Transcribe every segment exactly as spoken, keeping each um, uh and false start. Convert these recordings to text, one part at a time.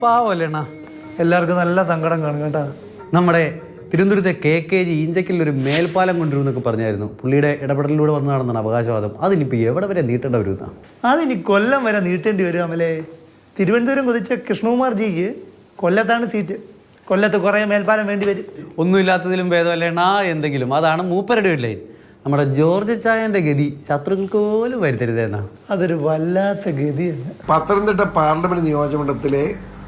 പാവല്ലേണ എല്ലാവർക്കും നല്ല സങ്കടം കാണും കേട്ടോ. നമ്മുടെ തിരുവനന്തപുരത്തെ കെ കെ ജി ഈഞ്ചക്കിൽ ഒരു മേൽപ്പാലം കൊണ്ടുവരുമെന്നൊക്കെ പറഞ്ഞായിരുന്നു. പുള്ളിയുടെ ഇടപെടലിലൂടെ വന്നതാണെന്നാണ് അവകാശവാദം. അതിനിപ്പോൾ എവിടെ വരെ നീട്ടേണ്ട വരുന്ന അതിനി കൊല്ലം വരെ നീട്ടേണ്ടി വരും. അമലേ, തിരുവനന്തപുരം കൊതിച്ച കൃഷ്ണകുമാർ ജിക്ക് കൊല്ലത്താണ് സീറ്റ്. കൊല്ലത്ത് കുറേ മേൽപ്പാലം വേണ്ടി വരും. ഒന്നുമില്ലാത്തതിലും ഭേദമല്ലേണ എന്തെങ്കിലും. അതാണ് മൂപ്പരുടെ ഒരു ലൈൻ. നമ്മുടെ ജോർജ് ചായന്റെ ഗതി ശത്രുക്കൾക്ക് പോലും വരുത്തരുതെന്നാ. അതൊരു വല്ലാത്ത ഗതിയാണ്. പത്തനംതിട്ട പാർലമെന്റ് നിയോജകമണ്ഡലത്തിലെ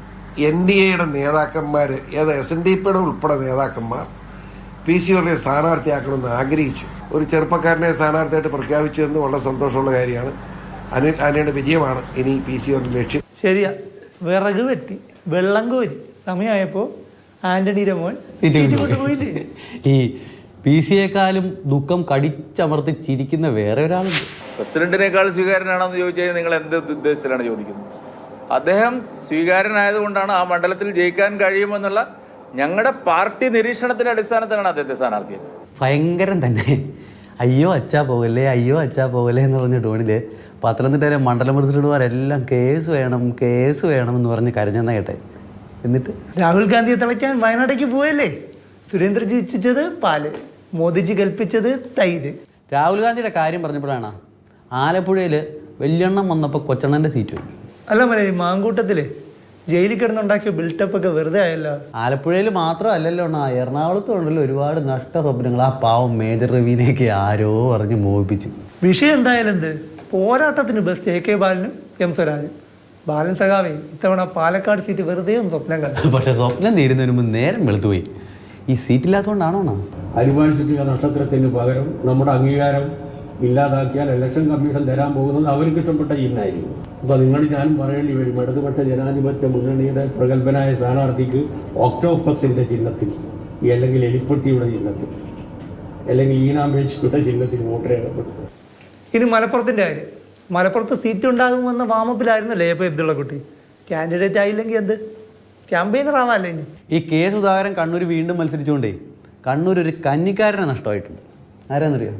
എൻ ഡി എയുടെ നേതാക്കന്മാർ, ഏത് എസ് എൻ ഡി പിയുടെ ഉൾപ്പെടെ നേതാക്കന്മാർ പി സി ഓറിനെ സ്ഥാനാർത്ഥിയാക്കണമെന്ന് ആഗ്രഹിച്ചു. ഒരു ചെറുപ്പക്കാരനെ സ്ഥാനാർത്ഥിയായിട്ട് പ്രഖ്യാപിച്ചു എന്ന് വളരെ സന്തോഷമുള്ള കാര്യമാണ്. അനിൽ ആന്റണിയുടെ വിജയമാണ് ഇനി പി സി ഓറിന്റെ ലക്ഷ്യം. ശരിയാ, വിറക് വെട്ടി വെള്ളം കോരി സമയമായപ്പോൾ ആന്റണിയുടെ മോൻ സീറ്റ് കൊണ്ടുപോയില്ലേ. ഈ പി സിയെക്കാളും ദുഃഖം കടിച്ചമർത്തി ചിരിക്കുന്ന വേറെ ഒരാളുണ്ട്. പ്രസിഡന്റിനേക്കാൾ സ്വീകാര്യനാണെന്ന് ചോദിച്ചാൽ നിങ്ങൾ എന്ത് ഉദ്ദേശത്തിലാണ് ചോദിക്കുന്നത്? അദ്ദേഹം സ്വീകാര്യനായതുകൊണ്ടാണ് ആ മണ്ഡലത്തിൽ ജയിക്കാൻ കഴിയുമെന്നുള്ള ഞങ്ങളുടെ പാർട്ടി നിരീക്ഷണത്തിന്റെ അടിസ്ഥാനത്തിലാണ് അദ്ദേഹത്തെ സ്ഥാനാർത്ഥിയത്. ഭയങ്കരം തന്നെ. അയ്യോ അച്ഛാ പോകല്ലേ, അയ്യോ അച്ഛാ പോകല്ലേ എന്ന് പറഞ്ഞ ടോണില് പത്തനംതിട്ടയിലെ മണ്ഡലം പ്രസിഡന്റുമാരെല്ലാം കേസ് വേണം കേസ് വേണം എന്ന് പറഞ്ഞ് കരഞ്ഞെന്ന കേട്ടെ. എന്നിട്ട് രാഹുൽ ഗാന്ധിയെ തളയ്ക്കാൻ വയനാടേക്ക് പോയല്ലേ. സുരേന്ദ്രജി ഇച്ഛിച്ചത് പാല്, മോദിജി കൽപ്പിച്ചത് തൈര്. രാഹുൽ ഗാന്ധിയുടെ കാര്യം പറഞ്ഞപ്പോഴാണ് ആലപ്പുഴയിൽ വലിയെണ്ണം വന്നപ്പോൾ കൊച്ചണ്ണൻ്റെ സീറ്റ് പോയി. അല്ല മലേ, മാങ്കൂട്ടത്തില് ജയിലിൽ കിടന്നുണ്ടാക്കിയ ബിൽട്ടപ്പ് ഒക്കെ വെറുതെ ആയല്ലോ. ആലപ്പുഴയിൽ മാത്രമല്ലല്ലോ അണ്ണാ, എറണാകുളത്തും ഉണ്ടല്ലോ ഒരുപാട് നഷ്ട സ്വപ്നങ്ങൾ. ആ പാവം മേജർ രവീനെയൊക്കെ ആരോ പറഞ്ഞ് മോഹിപ്പിച്ചു. വിഷയം എന്തായാലും എന്ത്, പോരാട്ടത്തിന് ബെസ്റ്റ് എ കെ ബാലനും എം സ്വരാജും. ബാലൻ സഖാവേ ഇത്തവണ പാലക്കാട് സീറ്റ് വെറുതെ ഒന്ന് സ്വപ്നം കണ്ടു. പക്ഷെ സ്വപ്നം തീരുന്നതിന് മുമ്പ് നേരം വെളുത്തുപോയി. ഈ സീറ്റില്ലാത്തതുകൊണ്ടാണോ? അനുമാനിച്ചിട്ടുള്ള നക്ഷത്രത്തിന് പകരം നമ്മുടെ അംഗീകാരം ഇല്ലാതാക്കിയാൽ ഇലക്ഷൻ കമ്മീഷൻ തരാൻ പോകുന്നത് അവർക്ക് ഇഷ്ടപ്പെട്ട ചിഹ്നമായിരിക്കും. അപ്പോൾ നിങ്ങൾ ഞാനും പറയേണ്ടി വരും, ഇടതുപക്ഷ ജനാധിപത്യ മുന്നണിയുടെ പ്രഗത്ഭനായ സ്ഥാനാർത്ഥിക്ക് ഒക്ടോപ്പസിൻ്റെ ചിഹ്നത്തിൽ, അല്ലെങ്കിൽ എലിപ്പട്ടിയുടെ ചിഹ്നത്തിൽ, അല്ലെങ്കിൽ ഈനാമ്പേച്ചിയുടെ ചിഹ്നത്തിൽ വോട്ട് രേഖപ്പെടുത്തും. ഇനി മലപ്പുറത്തിൻ്റെ കാര്യം. മലപ്പുറത്ത് സീറ്റ് ഉണ്ടാകുമെന്ന വാമപ്പിലായിരുന്നല്ലേ ഇപ്പോൾ ഇബ്ദുള്ള കുട്ടി. കാൻഡിഡേറ്റ് ആയില്ലെങ്കിൽ എന്ത്, ക്യാമ്പയിനർ ആവാല്ലേ ഇനി. ഈ കെ സുധാകരൻ കണ്ണൂർ വീണ്ടും മത്സരിച്ചുകൊണ്ടേ കണ്ണൂർ ഒരു കന്നിക്കാരനെ നഷ്ടമായിട്ടുണ്ട്. ആരാന്നറിയോ?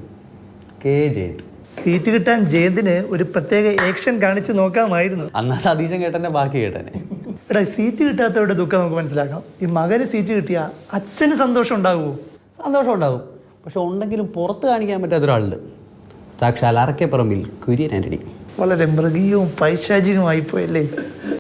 കെ ജയന്ത്. സീറ്റ് കിട്ടാൻ ജയന്തിന് ഒരു പ്രത്യേക ആക്ഷൻ കാണിച്ച് നോക്കാമായിരുന്നു. അന്നാ സതീശൻ കേട്ടനെ ബാക്കി കേട്ടനെ. എടാ, സീറ്റ് കിട്ടാത്തവരുടെ ദുഃഖം നമുക്ക് മനസ്സിലാക്കാം. ഈ മകന് സീറ്റ് കിട്ടിയാൽ അച്ഛന് സന്തോഷം ഉണ്ടാകുമോ? സന്തോഷം ഉണ്ടാവും. പക്ഷെ ഉണ്ടെങ്കിലും പുറത്ത് കാണിക്കാൻ പറ്റാത്ത ഒരാളുണ്ട്. സാക്ഷാൽ അറക്കപ്പറമ്പിൽ കുര്യൻ ആന്റണി. വളരെ മൃഗീയവും പൈശാചികവുമായി പോയല്ലേ.